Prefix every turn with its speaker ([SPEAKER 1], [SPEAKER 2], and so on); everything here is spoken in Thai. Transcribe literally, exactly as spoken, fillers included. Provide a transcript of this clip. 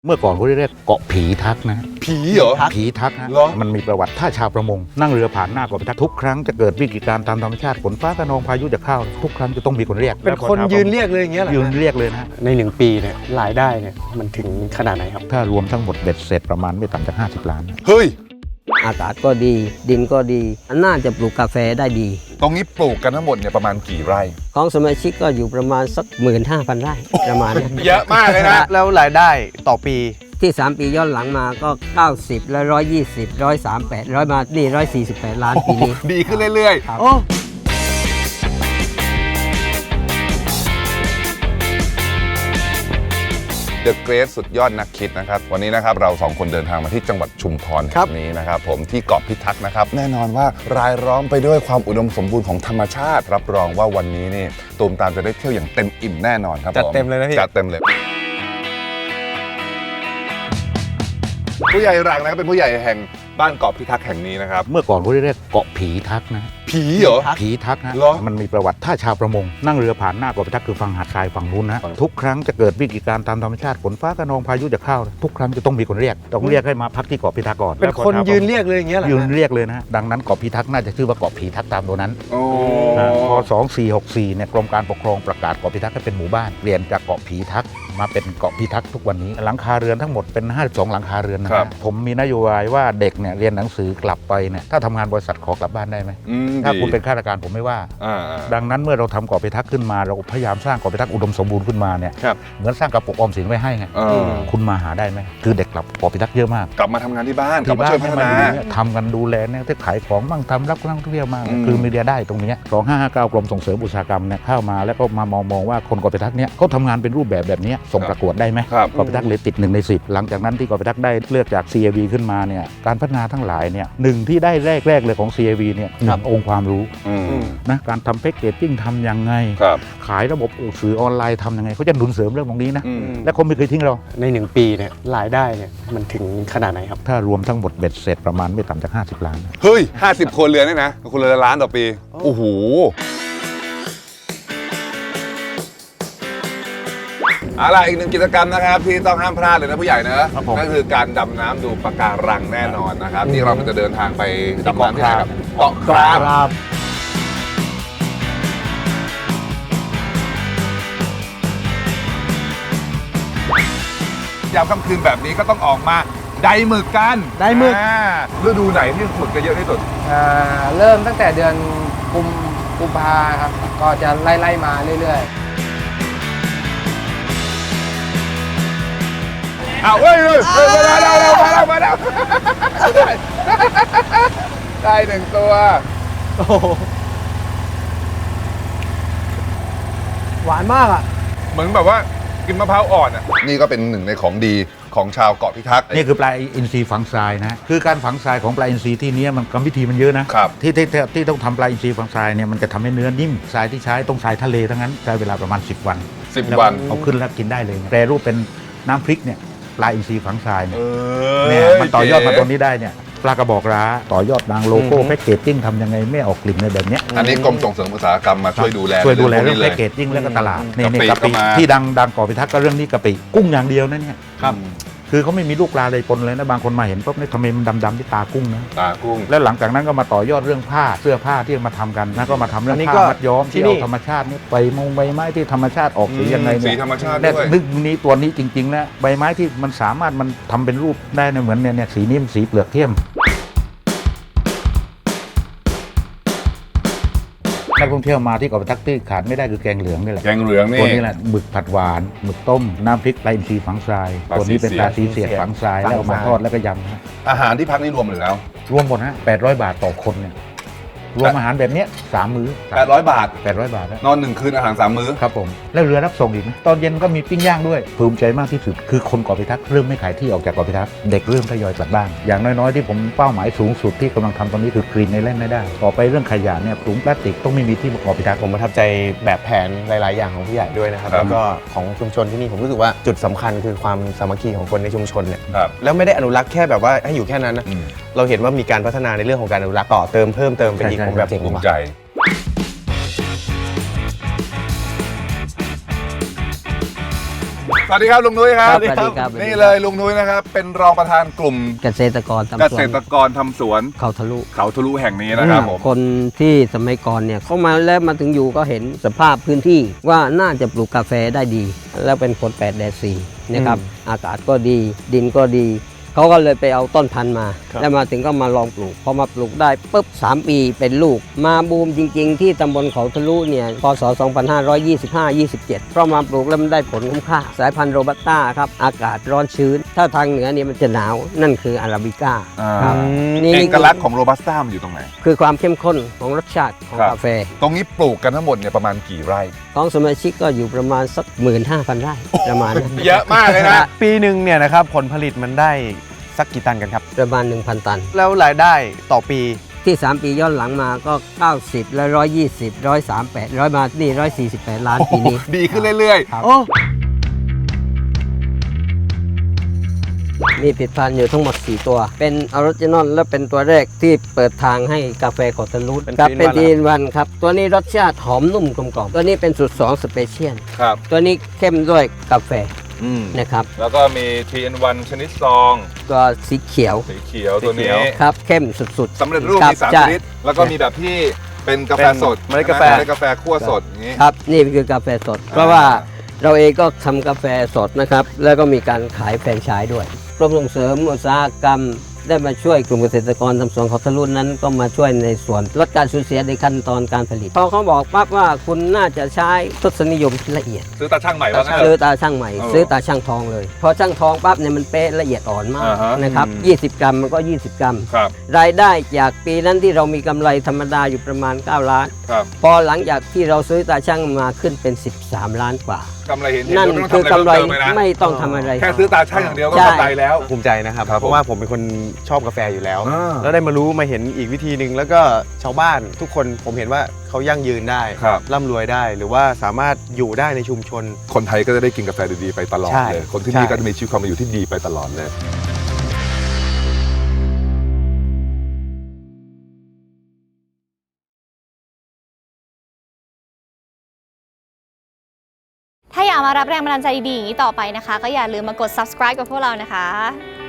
[SPEAKER 1] เมื่อก่อนเขาเรียกเกาะผีทักนะ
[SPEAKER 2] ผีเหรอ
[SPEAKER 1] ผีทักนะ
[SPEAKER 2] เหรอ
[SPEAKER 1] มันมีประวัติถ้าชาวประมงนั่งเรือผ่านหน้าเกาะผีทักทุกครั้งจะเกิดวิกฤตการณ์ตามธรรมชาติฝนฟ้าคะนองพายุจะเข้าทุกครั้งจะต้องมีคนเรียก
[SPEAKER 3] เป็นคนยืนเรียกเลยอย่างเงี้ยเหรอ
[SPEAKER 1] ยืนเรียกเลยนะ
[SPEAKER 3] ในหนึ่งปีเนี่ยรายได้เนี่ยมันถึงขนาดไหนครับ
[SPEAKER 1] ถ้ารวมทั้งหมดเบ็ดเสร็จประมาณไม่ต่ำจากห้าสิบล้าน
[SPEAKER 2] เฮ้ย
[SPEAKER 4] อากาศก็ดี ดินก็ดีน่าจะปลูกกาแฟได้ดี
[SPEAKER 2] ตรงนี้ปลูกกันทั้งหมดเนี่ยประมาณกี่ไร่
[SPEAKER 4] ของสมาชิกก็อยู่ประมาณสักหมื่นห้าพันไร่ประมาณนี้
[SPEAKER 2] เยอะมากเลยนะ
[SPEAKER 3] แล้วรายได้ต่อปี
[SPEAKER 4] ที่ สาม ปีย้อนหลังมาก็ เก้าสิบ และ หนึ่งร้อยยี่สิบ หนึ่งร้อยสามสิบแปด ร้อยมานี่หนึ่งร้อยสี่สิบแปด ล้านปีนี้
[SPEAKER 2] ดีขึ้นเรื่อย
[SPEAKER 4] ครับ
[SPEAKER 3] โอ้
[SPEAKER 2] ๆ The Great สุดยอดนักคิดนะครับ วันนี้นะครับเราสองคนเดินทางมาที่จังหวัดชุมพรแห่งนี้นะครับผมที่เกาะพิทักษ์นะครับ แน่นอนว่ารายล้อมไปด้วยความอุดมสมบูรณ์ของธรรมชาติ รับรองว่าวันนี้นี่ตูมตามจะได้เที่ยวอย่างเต็มอิ่มแน่นอนครับ
[SPEAKER 3] จัด
[SPEAKER 2] ผม
[SPEAKER 3] เต็มเลยนะพี่
[SPEAKER 2] จัดเต็มเลย ผู้ใหญ่หลังนะครับเป็นผู้ใหญ่แห่งบ้านเกาะพิทักษ์แห่งนี้นะครับ
[SPEAKER 1] เมื่อก่อนเขาเรียกเกาะผีทักนะ
[SPEAKER 2] ผีเหรอ
[SPEAKER 1] ผีทักนะ
[SPEAKER 2] เหรอ
[SPEAKER 1] มันมีประวัติถ้าชาวประมงนั่งเรือผ่านหน้าเกาะผีทักคือฝั่งหาดทรายฝั่งนู้นนะ
[SPEAKER 2] ฝั่ง
[SPEAKER 1] ทุกครั้งจะเกิดวิกฤตการณ์ตามธรรมชาติฝนฟ้าคะนองพายุจะเข้าทุกครั้งจะต้องมีคนเรียกต้องเรียกให้มาพักที่เกาะพิทักษ์ก่อน
[SPEAKER 3] เป็นคนยืนเรียกเลยอย่างเงี้ยเหรอ
[SPEAKER 1] ยืนเรียกเลยนะดังนั้นเกาะพิทักษ์น่าจะชื่อว่าเกาะผีทักษ์ตามตัวนั้น
[SPEAKER 2] โอ้
[SPEAKER 1] นะพอสองสี่หกสี่เนี่ยกรมการปกครองประกาศเกาะพิทักษ์ให้เป็นหมู่บ้านเปลี่ยนจากเกาะผีทักษ์มาเป็นเกาะพิทักษ์ทุกวันนี้หลังคาเรือนทั้งหมดเป็นห้าสิบสองหลังคาเรือนนะฮะผมมีนโยบายว่าเด็กเนี่ยเรียนหนังสือกลับไปเนี่ยถ้าทำงานบริษัทขอกลับบ้านได้ไหม
[SPEAKER 2] อืม
[SPEAKER 1] ถ้า
[SPEAKER 2] ดี
[SPEAKER 1] คุณเป็นข้าราชการผมไม่ว่า
[SPEAKER 2] อ่า
[SPEAKER 1] ดังนั้นเมื่อเราทำเกาะพิทักษ์ขึ้นมาเราพยายามสร้างเกาะพิทักษ์อุดมสมบูรณ์ขึ้นมาเนี่ย
[SPEAKER 3] ครับ
[SPEAKER 1] เหมือนสร้างกระปุกออมสินไว้ให้ไง
[SPEAKER 2] เออ
[SPEAKER 1] คุณมาหาได้ไหมคือเด็กกลับเกาะพิทักษ์เยอะมาก
[SPEAKER 2] กลับมาทำงานที่บ้านกลับมาช่วยพัฒนา
[SPEAKER 1] เนี่ยทำกันดูแลเนี่ยที่ขายของบ้างทำรับนักท่องเที่ยวมาก
[SPEAKER 2] อืม
[SPEAKER 1] คือมีเดียได้ตรงเนี้สองห้าห้าเก้ากรมส่งเสริมอุตสาหกรรมเนี่ยเข้ามาแล้วก็มามองมองว่าคนเกาะพิทักษ์เนี่ยเขาทำงานเป็นรูปแบบแบบนี้ส่งประกวดได้ไหม
[SPEAKER 2] ครับ
[SPEAKER 1] เกาะพิทักษ์เลยติดหนึ่งในสิบหลังจากนั้นที่เกาะพิทักษ์ได้เลือกจาก ซี เอ วี ขึ้นมาเนี่ยการพัฒนาทั้งหลายเนี่ยหนึ่งที่ได้แรกๆเลยของ ซี เอ วี เนี่ยหนึ่งองค์ความรู้
[SPEAKER 2] อืม
[SPEAKER 1] นะการทำแพ็กเกจจิ้งทำยังไง
[SPEAKER 2] ครับ
[SPEAKER 1] ขายระบบสื่อออนไลน์ทำยังไงเขาจะหนุนเสริมเรื่องตรงนี้นะ
[SPEAKER 2] อืม
[SPEAKER 1] และเขาไม่เคยทิ้งเรา
[SPEAKER 3] ในหนึ่งปีเนี่ยรายได้เนี่ยมันถึงขนาดไหนครับ
[SPEAKER 1] ถ้ารวมทั้งหมดเบ็ดเสร็จประมาณไม่ต่ำจากห้าสิบล้าน
[SPEAKER 2] เฮ้ยห้าสิบคนเรือนเนี่ยนะคนเรือนละล้านต่อปี โอ้โห เอาล่ะอีกหนึ่งกิจกรรมนะครับที่ต้องห้ามพลาดเลยนะผู้ใหญ่เนอะ
[SPEAKER 1] ครับผม
[SPEAKER 2] นั่นคือการดำน้ำดูปะการังแน่นอนนะครับที่เราจะเดินทางไปดำน้ำที่ไหนครับเกาะคราม ยามค่ำคืนแบบนี้ก็ต้องออกมาไดหมึกกัน
[SPEAKER 3] ไดหมึก
[SPEAKER 2] อ่าฤดูไหนที่หมึกจะเยอะที่สุด
[SPEAKER 5] อ่าเริ่มตั้งแต่เดือนกุมกุมภาครับ ก็จะไล่ไล่มาเรื่อยๆ
[SPEAKER 2] เอาเฮ้ยเฮ้ยเฮ้ยมาแล้วมาแล้วมาแล้วได้ได้หนึ่งตัว
[SPEAKER 3] โอ้โหหวานมากอ่ะ
[SPEAKER 2] เหมือนแบบว่ากินมะพร้าวอ่อนอ่ะนี่ก็เป็นหนึ่งในของดีของชาวเกาะพิทักษ์
[SPEAKER 1] นี่คือปลาอินทรีฝังทรายนะคือการฝังทรายของปลาอินทรีที่นี้มันกรรมวิธีมันเยอะนะครับ ที่ที่ที่ที่ต้องทำปลาอินทรีฝังทรายเนี่ยมันจะทำให้เนื้อนิ่มทรายที่ใช้ต้องทรายทะเลทั้งนั้นใช้เวลาประมาณสิบวัน
[SPEAKER 2] สิบ
[SPEAKER 1] แล้ว
[SPEAKER 2] วัน
[SPEAKER 1] เอาขึ้นแล้วกินได้เลยแปรรูปเป็นน้ำพริกเนี่ยปลาอินทรีฝังทรายเนี่ย
[SPEAKER 2] เอ
[SPEAKER 1] เนี่ยมันต่อยอดมาตรง
[SPEAKER 2] นี้
[SPEAKER 1] นี้ได้เนี่ยปลากระบอกร้าต่อยอดดังโลโก้แพ็กเกจจิ้งทำยังไงไม่ออกกลิ่นในแบบเนี้ย
[SPEAKER 2] อันนี้กรมส่งเสริมอุตสาหกรรมมาช่วยดูแล
[SPEAKER 1] ช่วยดูแลเรื่อง
[SPEAKER 2] พว
[SPEAKER 1] แพ็
[SPEAKER 2] ก
[SPEAKER 1] กเกจจิ้งแล้วก็ตลาด
[SPEAKER 2] อืม
[SPEAKER 1] นี่นี่
[SPEAKER 2] กะ
[SPEAKER 1] กะ
[SPEAKER 2] ปิ
[SPEAKER 1] ปิ
[SPEAKER 2] ก็มา
[SPEAKER 1] ที่ดังดังก่อพิทักษ์ก็เรื่องนี้กะปิกุ้งอย่างเดียวนะเนี่ย
[SPEAKER 3] ครับ
[SPEAKER 1] คือเขาไม่มีลูกปลาเลยปนเลยนะบางคนมาเห็นปุ๊บนี่ทำไมมันดำๆที่ตากุ้งนะ
[SPEAKER 2] ตากุ้ง
[SPEAKER 1] แล้วหลังจากนั้นก็มาต่อยอดเรื่องผ้าเสื้อผ้าที่มาทำกันนะก็มาทำเรื่อง
[SPEAKER 3] อันนี้
[SPEAKER 1] ผ้า
[SPEAKER 3] ก็
[SPEAKER 1] มัดย้อม
[SPEAKER 3] ที่
[SPEAKER 1] ที่
[SPEAKER 3] นี่
[SPEAKER 1] เอาธรรมชาตินี่ใบมงใบไม้ที่ธรรมชาติออกสียังไง
[SPEAKER 2] สี
[SPEAKER 1] เนี่ย
[SPEAKER 2] ธรรมชาติ
[SPEAKER 1] เนี่ย
[SPEAKER 2] ด้วย
[SPEAKER 1] นึกนี้ตัวนี้จริงๆนะใบไม้ที่มันสามารถมันทำเป็นรูปได้นะเหมือนเนี่ยเนี่ยสีนี้มันสีเปลือกเข้มนักท่องเที่ยวมาที่เกาะพิทักษ์ที่ขาดไม่ได้คือแกงเหลืองนี่แหละ
[SPEAKER 2] แกงเหลืองนี่
[SPEAKER 1] ตัวนี้แหละหมึกผัดหวานหมึกต้มน้ำพริกปลาอินทรีฝังทราย
[SPEAKER 2] ปลา
[SPEAKER 1] ตัวนี้เป็น
[SPEAKER 2] สี
[SPEAKER 1] ปลา
[SPEAKER 2] เสียด
[SPEAKER 1] สีเสียดฝังทรายแล้วเอามาทอดแล้วก็ยำนะ
[SPEAKER 2] อาหารที่พักนี่รวมหรือแล้ว
[SPEAKER 1] รวมหมดนะแปดร้อยบาทต่อคนเนี่ยรวมอาหารแบบเนี้ยสามมื้อ
[SPEAKER 2] แปดร้อยบาท
[SPEAKER 1] แปดร้อยบาทนะ
[SPEAKER 2] นอนหนึ่งคืนอาหารสามมื้อ
[SPEAKER 1] ครับผมแล้วเรือรับส่งอีกนะตอนเย็นก็มีปิ้งย่างด้วยภูมิใจมากที่สุดคือคนเกาะพิทักษ์เริ่มไม่ขายที่ออกจากเกาะพิทักษ์เด็กเริ่มทยอยกลับบ้านอย่างน้อยๆที่ผมเป้าหมายสูงสุดที่กำลังทำตอนนี้คือกรีนในเล่นไม่ได้ต่อไปเรื่องขยะเนี่ยถุงพลาสติกต้องไม่มีที่เกาะพิทักษ์
[SPEAKER 3] ผมประทับใจแบบแผนหลาย ๆ อย่างของผู้ใหญ่ด้วยนะครับ
[SPEAKER 2] ครับ
[SPEAKER 3] แล้วก็ของชุมชนที่นี่ผมรู้สึกว่าจุดสำคัญคือความสามัคคีของคนในชุมชนเนี่ย
[SPEAKER 2] ครับ
[SPEAKER 3] แล้วไม่ได้อนุรักษ์แค่แบบว่าให้อยู่แค่นั้นนะ
[SPEAKER 2] อืม
[SPEAKER 3] เราเห็นว่ามีการพัฒนาในเรื่องของการอนุรักษ์ต่อเติมเพิ่มเติมไปอีก
[SPEAKER 1] ใช่
[SPEAKER 3] ผมแบบ
[SPEAKER 1] ใช่
[SPEAKER 3] เจ๋ง
[SPEAKER 2] ภูมิ
[SPEAKER 3] ว่ะ
[SPEAKER 2] ใจ
[SPEAKER 3] ฝ
[SPEAKER 2] สวัสดีครับลุงนุ้ยครับ
[SPEAKER 4] ครับสวัสดีครับ
[SPEAKER 2] นี่เลยลุงนุ้ยนะครับเป็นรองประธานกลุ่ม
[SPEAKER 4] เกษตรกรทำ
[SPEAKER 2] เก
[SPEAKER 4] สว
[SPEAKER 2] ษ
[SPEAKER 4] น
[SPEAKER 2] ตรกรทำสวน
[SPEAKER 4] เขาทะลุ
[SPEAKER 2] เขาทะลุแห่งนี้นะครับผม
[SPEAKER 4] คนที่สมัยก่อนเนี่ยเข้ามาแล้วมาถึงอยู่ก็เห็นสภาพพื้นที่ว่าน่าจะปลูกกาแฟได้ดี แล้วเป็นคนแปดแดดสี่นะครับอากาศก็ดีดินก็ดีเขาก็เลยไปเอาต้นพันธุ์มา แล้วมาถึงก็มาลองปลูกพอมาปลูกได้ปุ๊บสามปีเป็นลูกมาบูมจริง ๆ ที่ตำบลเขาทะลุเนี่ยพศสองพันห้าร้อยยี่สิบห้า ยี่สิบเจ็ดเพราะมาปลูกแล้วมันได้ผลคุ้มค่าสายพันธุ์โรบัสต้าครับอากาศร้อนชื้น ถ้าทางเหนือเนี่ยมันจะหนาวนั่นคืออาราบิก้า
[SPEAKER 2] อ่า
[SPEAKER 4] ครับ
[SPEAKER 2] เอกลักษณ์ของโรบัสต้ามันอยู่ตรงไหน
[SPEAKER 4] คือความเข้มข้นของรสชาติของ
[SPEAKER 2] ครับ
[SPEAKER 4] กาแฟ
[SPEAKER 2] ตรงนี้ปลูกกันทั้งหมดเนี่ยประมาณกี่ไร่
[SPEAKER 4] ของสมาชิกก็อยู่ประมาณสักหมื่นห้าพันไร่ประมาณนั้น
[SPEAKER 2] เยอะมากเลยนะ
[SPEAKER 3] ปีหนึ่งเนี่ยนะครับผลผลิตมันได้สักกี่ตันกันครับ
[SPEAKER 4] ประมาณ หนึ่งพัน ตัน
[SPEAKER 3] แล้วรายได้ต่อปี
[SPEAKER 4] ที่ สาม ปีย้อนหลังมาก็ เก้าสิบ และ หนึ่งร้อยยี่สิบ หนึ่งร้อยสามสิบแปด ร้อยมานี่ หนึ่งร้อยสี่สิบแปด ล้านปีนี้
[SPEAKER 2] ดีขึ้นเรื่อย
[SPEAKER 4] ครับ
[SPEAKER 3] โอ้
[SPEAKER 4] มีผลิตภัณฑ์อยู่ทั้งหมด สี่ ตัว เป็นออริจินอลและเป็นตัวแรกที่เปิดทางให้กาแฟขอทะลุ
[SPEAKER 3] เป็น
[SPEAKER 4] ครับ
[SPEAKER 3] Green
[SPEAKER 4] เป็น
[SPEAKER 3] One
[SPEAKER 4] ดีนวันครับ ตัวนี้รสชาติหอมนุ่มกลมกล่อมตัวนี้เป็นสูตรสองสเปเชียล
[SPEAKER 2] ๆ ครับ
[SPEAKER 4] ตัวนี้เข้มด้วยกาแฟ
[SPEAKER 2] อืม
[SPEAKER 4] นะครับ
[SPEAKER 2] แล้วก็มี ทรี อิน วัน ชนิดซอง
[SPEAKER 4] ตัวสีเขียว
[SPEAKER 2] สีเขียวตัวนี้
[SPEAKER 4] ครับเข้มสุดๆ
[SPEAKER 2] สำเร็จรูป
[SPEAKER 4] คบ
[SPEAKER 2] มีสาม
[SPEAKER 4] ใช่
[SPEAKER 2] ชนิด แล้วก็มีแบบที่เป็นกาแฟสด
[SPEAKER 3] เป็นเมล็ดกาแฟ
[SPEAKER 2] เมล็ดกาแฟคั่วสดอย่างนี้
[SPEAKER 4] ครับนี่คือกาแฟสด เพราะว่าเราเองก็ทำกาแฟสดนะครับ แล้วก็มีการขายแฟรนไชส์ด้วยกรมส่งเสริมอุตสาหกรรม ได้มาช่วยกลุ่มเกษตรกรทำสวนเขาทะลุนั้นก็มาช่วยในส่วนลดการสูญเสียในขั้นตอนการผลิตพอเขาบอกปั๊บว่าคุณน่าจะใช้ทศนิยมที่ละเอียด
[SPEAKER 2] ซื้อตาช่างใหม่ว่างั้น
[SPEAKER 4] ซื้อ
[SPEAKER 2] เถอะ
[SPEAKER 4] ตาช่างใหม่
[SPEAKER 2] เออ
[SPEAKER 4] ซื้อตาช่างทองเลยพอช่างทองปั๊บเนี่ยมันเป๊ะละเอียดอ่อนมาก
[SPEAKER 2] อ่าฮะ
[SPEAKER 4] นะครับ
[SPEAKER 2] อืม
[SPEAKER 4] ยี่สิบ กรัมมันก็ ยี่สิบ กรัม
[SPEAKER 2] ครับ
[SPEAKER 4] รายได้จากปีนั้นที่เรามีกำไรธรรมดาอยู่ประมาณ เก้า ล้าน
[SPEAKER 2] ครับ
[SPEAKER 4] พอหลังจากที่เราซื้อตาช่างมาขึ้นเป็น สิบสาม ล้านกว่า
[SPEAKER 2] กำไรเห็นเห็น
[SPEAKER 4] นั่น
[SPEAKER 2] ไม่ต้ง
[SPEAKER 4] คือกำไร
[SPEAKER 2] ทำะเพิ่มเติมเลยนะ
[SPEAKER 4] ไม่ต้องทำอะไร
[SPEAKER 2] แค่ซื้อตาช่างอย่างเดียวก็
[SPEAKER 4] ใช่
[SPEAKER 2] กำไรแล้ว
[SPEAKER 3] ภูมิใจนะครับ
[SPEAKER 2] ครับ
[SPEAKER 3] เพราะว่าผมเป็นคนชอบกาแฟอยู่แล้ว
[SPEAKER 2] อ่า
[SPEAKER 3] แล้วได้มารู้มาเห็นอีกวิธีหนึ่งแล้วก็ชาวบ้านทุกคนผมเห็นว่าเขายั่งยืนได้
[SPEAKER 2] ครับ
[SPEAKER 3] ร่ำรวยได้ หรือว่าสามารถอยู่ได้ในชุมชน
[SPEAKER 2] คนไทยก็จะได้กินกาแฟดีๆไปตลอด
[SPEAKER 3] ใช่
[SPEAKER 2] เลย คนที่นี่
[SPEAKER 3] ใช่
[SPEAKER 2] ก็จะมีชีวิตความเป็นอยู่ที่ดีไปตลอดเลย
[SPEAKER 6] ถ้าอยากมารับแรงบันดาลใจดีๆอย่างนี้ต่อไปนะคะ ก็อย่าลืมมากด subscribe กับพวกเรานะคะ